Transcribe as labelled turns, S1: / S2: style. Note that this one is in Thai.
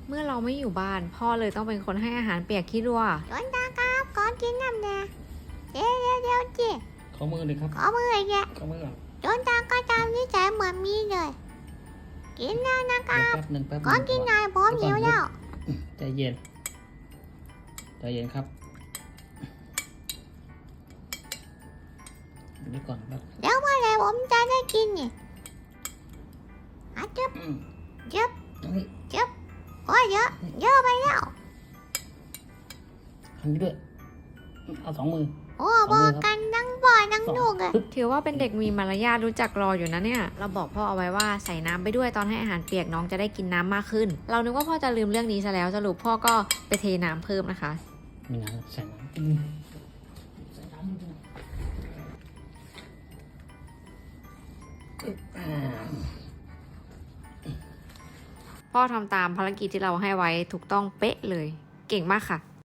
S1: เมื่อเราไม่อยู่บ้านพ่อเลยต้องเป็นคนให้อาหารเปียกขี้รัว
S2: หลวงตาครับขอกินน้ำแดงเดี๋ยวจี
S3: ขอมือเลยครับ
S2: ขอมือแก
S3: ขอมือก่อน
S2: หลวงตาก็ตามนิสัยเหมือนมีเลยกินแล้วนะครับ
S3: แป๊บหนึ่ง
S2: ขอกินหน่อยผมหิวแล้ว
S3: ใจเย็นใจเย็นครับเดี๋ยวก่อนครับ
S2: เดี๋ยวเมื่อไหรผมจะได้กินเนี่ยจึ๊บจึ๊บ
S3: นี่
S2: จึ๊บโอ้ยเยอะไปแล้ว
S3: ทำนี้ด้วยเอา2 มือ
S2: โอ้บอกกันทั้งพ่อทั้งลูกเลย
S1: ถือว่าเป็นเด็กมีมารยาทรู้จักรออยู่นะเนี่ยเราบอกพ่อเอาไว้ว่าใส่น้ำไปด้วยตอนให้อาหารเปียกน้องจะได้กินน้ำมากขึ้น เรานึกว่าพ่อจะลืมเรื่องนี้ซะแล้วสรุปพ่อก็ไปเทน้ำเพิ่มนะคะ
S3: มีน้ำใส่น้ำใส่น้ำนิดนึง
S1: พ่อทำตามภารกิจที่เราให้ไว้ถูกต้องเป๊ะเลย เก่งมากค่ะ